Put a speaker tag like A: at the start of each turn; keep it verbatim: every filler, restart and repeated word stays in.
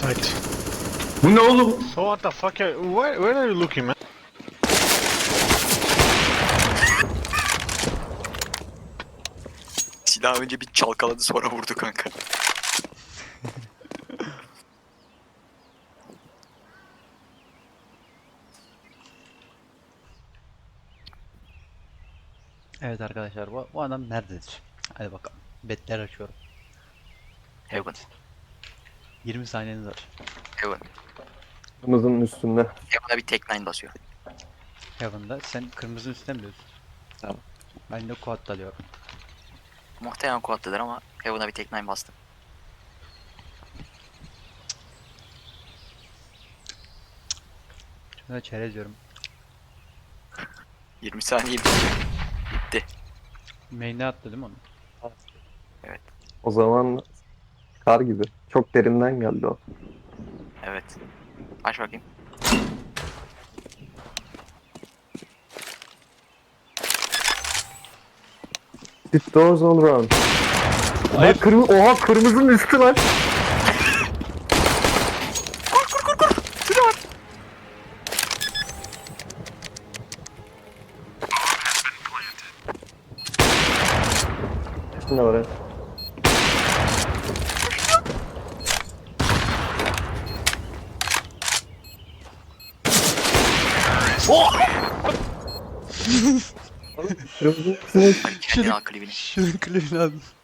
A: Site.
B: Bu ne oğlum?
A: So what the fuck? Are, where, where are you looking, man?
C: Silah önce bir çalkaladı sonra vurdu kanka.
D: Evet arkadaşlar bu, bu adam nerededir? Hadi bakalım. Betler açıyorum.
C: Heaven.
D: yirmi saniyeniz var.
C: Heaven.
B: Kırmızının üstünde.
C: Heaven'a bir tek nine basıyor.
D: Heaven'da sen kırmızının üstüne mi diyorsun?
B: Tamam.
D: Ben de quad'da alıyorum.
C: Muhtemelen kuatlıdır ama Heaven'a bir tek nine bastım.
D: Şuna da çerez diyorum.
C: yirmi saniye bitti.
D: Main'e attı değil mi onu?
B: O zaman kar gibi. Çok derinden geldi o.
C: Evet. Aç bakayım.
B: It doors all around.
D: Hayır.
B: Kırmızı, oha kırmızının üstü lan. Ne var ya? Kırmızının üstüne
C: Hadi kendin al klibini.
D: Şunun klibini aldım.